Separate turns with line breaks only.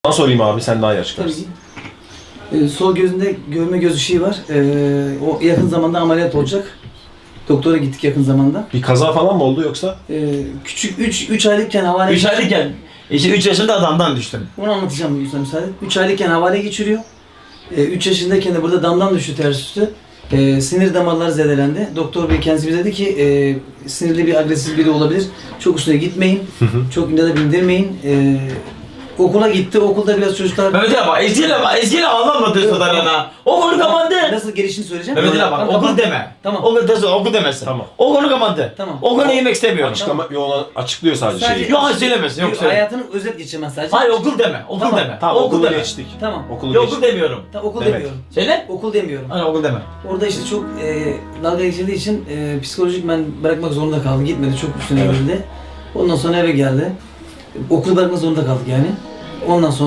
Sana sorayım abi, sen daha iyi açıklarsın.
Tabii ki. Sol gözünde görme göz ışığı var. O yakın zamanda ameliyat olacak. Doktora gittik yakın zamanda.
Bir kaza falan mı oldu yoksa?
Küçük 3 aylıkken havale
3 aylıkken, işte 3 yaşında adamdan düştüm.
Onu anlatacağım lütfen müsaade. 3 aylıkken havale geçiriyor. 3 yaşındayken de burada damdan düştü ters üstü. Sinir damarları zedelendi. Doktor bey kendisi bize dedi ki sinirli bir agresif biri olabilir. Çok üstüne gitmeyin. Çok ünde de bindirmeyin. Okula gitti. Okulda biraz çocuklar...
Mehmet Ali bak, eskiyle ağlanmadı sorularına. O konu kapandı.
Nasıl gelişini söyleyeceğim.
Mehmet Ali bak,
Tamam,
okul deme.
Tamam.
Okul demesin.
Tamam.
O konu kapandı.
Tamam.
O konuyu yemek istemiyorum.
Açıklama yolunu açıklıyor sadece
Sadece-
şeyi.
Yok hayır söylemesin, yok söyle.
Hayatını özet geçirmez sadece.
Hayır okul deme, okul
Tamam.
deme.
Tamam, okulu
deme.
geçtik.
Tamam.
Okulu
Yok
geçtik.
okul demiyorum.
Okul
Demek.
demiyorum.
Söyle.
Okul demiyorum.
Hayır okul deme.
Orada işte çok dalga geçildiği için psikolojik ben bırakmak zorunda kaldım. Gitmedi, çok üstüne
Evet.
geldi. Ondan sonra eve geldi. Okul bırakmak zorunda kaldık yani. Ondan sonra